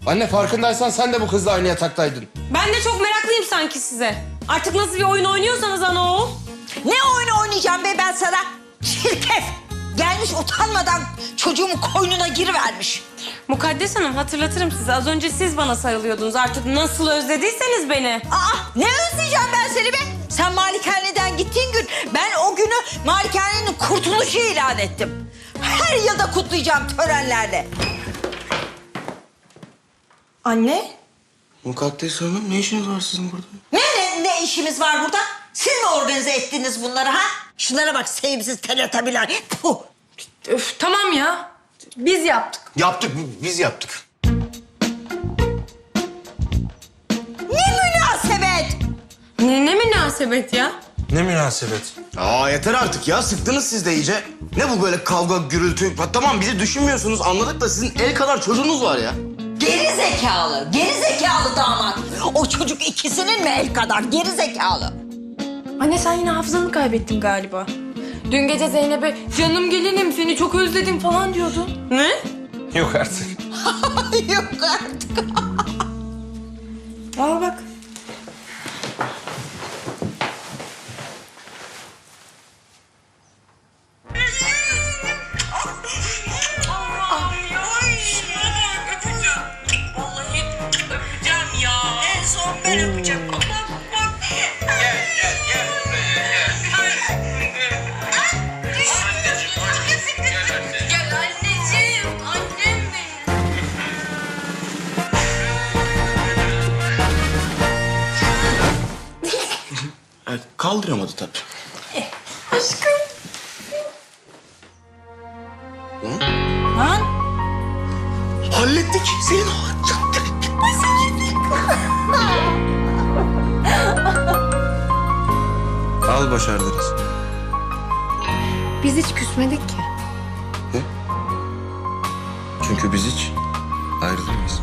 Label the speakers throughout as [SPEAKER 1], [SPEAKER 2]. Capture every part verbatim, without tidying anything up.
[SPEAKER 1] Anne farkındaysan sen de bu kızla aynı yataktaydın.
[SPEAKER 2] Ben de çok meraklıyım sanki size. Artık nasıl bir oyun oynuyorsanız ana oğul.
[SPEAKER 3] Ne oyunu oynayacağım be ben sana? Çirkef! Gelmiş utanmadan çocuğumun koynuna girivermiş.
[SPEAKER 2] Mukaddes Hanım hatırlatırım size. Az önce siz bana sarılıyordunuz. Artık nasıl özlediyseniz beni.
[SPEAKER 3] Aa, ne özleyeceğim ben seni be? Sen malikaneden gittiğin gün ben o günü malikanenin kurtuluşu ilan ettim. Her yılda kutlayacağım törenlerle.
[SPEAKER 2] Anne?
[SPEAKER 1] Mukaddes Hanım ne işiniz var sizin burada?
[SPEAKER 3] Ne, ne, ne işimiz var burada? Siz mi organize ettiniz bunları ha? Şunlara bak sevimsiz teletabiler. Puh.
[SPEAKER 2] Öf tamam ya. Biz yaptık.
[SPEAKER 1] Yaptık, biz yaptık.
[SPEAKER 3] Ne münasebet!
[SPEAKER 2] Ne, ne münasebet ya?
[SPEAKER 1] Ne münasebet? Aa yeter artık ya, sıktınız siz de iyice. Ne bu böyle kavga, gürültü? Ha, tamam bizi düşünmüyorsunuz anladık da sizin el kadar çocuğunuz var ya.
[SPEAKER 3] Geri zekalı, geri zekalı damat. O çocuk ikisinin mi el kadar geri zekalı?
[SPEAKER 2] Anne sen yine hafızanı kaybettin galiba. Dün gece Zeynep'e canım gelinim seni çok özledim falan diyordun. Ne?
[SPEAKER 1] Yok artık.
[SPEAKER 3] Yok artık.
[SPEAKER 2] Al bak.
[SPEAKER 3] Vallahi öpeceğim ya. En son ben öpeceğim.
[SPEAKER 4] Gel gel gel buraya gel. Anneciğim aşkım gel anneciğim.
[SPEAKER 2] Gel anneciğim, annem benim.
[SPEAKER 1] Evet, kaldıramadı tabii.
[SPEAKER 2] Aşkım.
[SPEAKER 3] Lan
[SPEAKER 1] Hallettik. Senin hallettik. Al başardınız.
[SPEAKER 2] Biz hiç küsmedik ki.
[SPEAKER 1] Çünkü biz hiç ayrılmayız.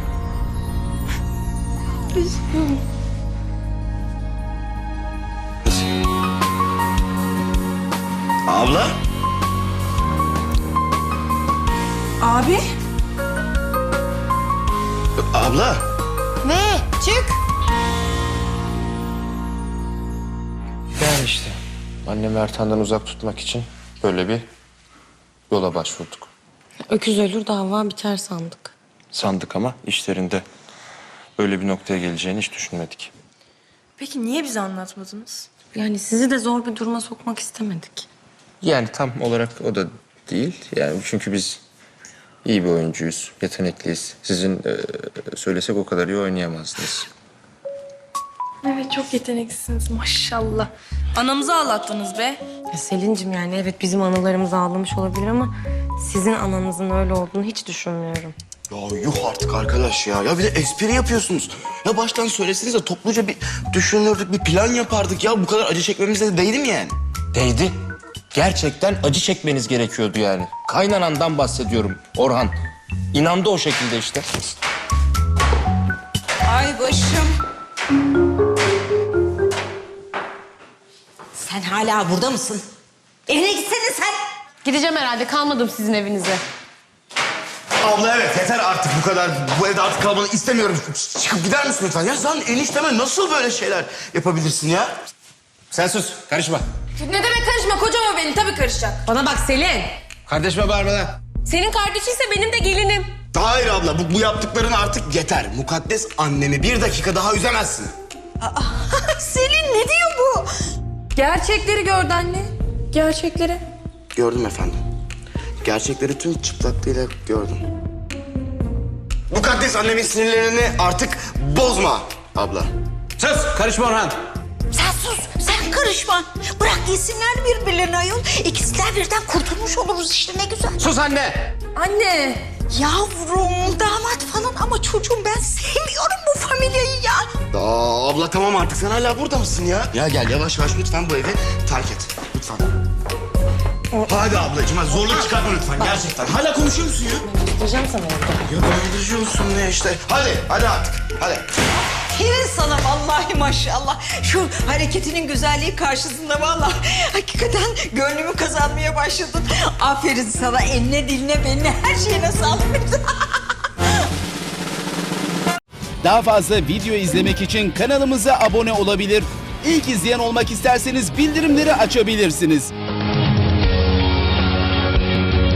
[SPEAKER 1] Abla.
[SPEAKER 2] Abi.
[SPEAKER 1] Abla.
[SPEAKER 2] Ne? Çık.
[SPEAKER 1] Yani işte annemi Ertan'dan uzak tutmak için böyle bir yola başvurduk.
[SPEAKER 2] Öküz ölür dava biter sandık.
[SPEAKER 1] Sandık ama işlerinde öyle bir noktaya geleceğini hiç düşünmedik.
[SPEAKER 2] Peki niye bize anlatmadınız? Yani sizi de zor bir duruma sokmak istemedik.
[SPEAKER 1] Yani tam olarak o da değil. Yani çünkü biz iyi bir oyuncuyuz, yetenekliyiz. Sizin e, söylesek o kadar iyi oynayamazdınız.
[SPEAKER 2] Evet çok yeteneklisiniz maşallah. Anamızı ağlattınız be. Ya Selin'cim yani evet bizim analarımız ağlamış olabilir ama sizin ananızın öyle olduğunu hiç düşünmüyorum.
[SPEAKER 1] Ya yuh artık arkadaş ya. Ya bir de espri yapıyorsunuz. Ya baştan söyleseniz de topluca bir düşünürdük, bir plan yapardık ya. Bu kadar acı çekmemize de değdi mi yani? Değdi. Gerçekten acı çekmeniz gerekiyordu yani. Kaynanandan bahsediyorum Orhan. İnandı o şekilde işte.
[SPEAKER 3] ay başım. Sen hala burada mısın? Evine gitsene sen.
[SPEAKER 2] Gideceğim herhalde kalmadım sizin evinize.
[SPEAKER 1] Abla evet yeter artık bu kadar. Bu evde artık kalmanı istemiyorum. Çıkıp gider misin lütfen? Ya sen enişteme nasıl böyle şeyler yapabilirsin ya? Sen sus, karışma.
[SPEAKER 2] Ne demek karışma kocam o benim tabii karışacak. Bana bak Selin.
[SPEAKER 1] Kardeşime bağırma lan.
[SPEAKER 2] Senin kardeşinse benim de gelinim.
[SPEAKER 1] Hayır abla, bu, bu yaptıkların artık yeter. Mukaddes annemi bir dakika daha üzemezsin.
[SPEAKER 3] Selin ne diyor bu?
[SPEAKER 2] Gerçekleri gördü anne. Gerçekleri.
[SPEAKER 1] Gördüm efendim. Gerçekleri tüm çıplaklığıyla gördüm. Mukaddes annemin sinirlerini artık bozma abla. Sus, karışma Orhan.
[SPEAKER 3] Sen sus, sen karışma. Bırak yesinler birbirlerini ayol. İkisinden birden kurtulmuş oluruz işte ne güzel.
[SPEAKER 1] Sus anne.
[SPEAKER 2] Anne.
[SPEAKER 3] Yavrum, damat falan ama çocuğum ben sevmiyorum bu familyayı ya.
[SPEAKER 1] Aa, abla tamam artık sen hala burada mısın ya? Ya gel yavaş yavaş lütfen bu evi terk et. Lütfen. Hadi ablacığım hadi zorluk çıkartma lütfen gerçekten. Hala konuşuyor musun ya?
[SPEAKER 2] Getireceğim sana evde.
[SPEAKER 1] Ya konuşuyorsun ne işte. Hadi hadi artık hadi.
[SPEAKER 3] Aferin sana vallahi maşallah. Şu hareketinin güzelliği karşısında vallahi hakikaten gönlümü kazanmaya başladın. Aferin sana eline diline beline her şeyine sağlık.
[SPEAKER 5] Daha fazla video izlemek için kanalımıza abone olabilir. İlk izleyen olmak isterseniz bildirimleri açabilirsiniz.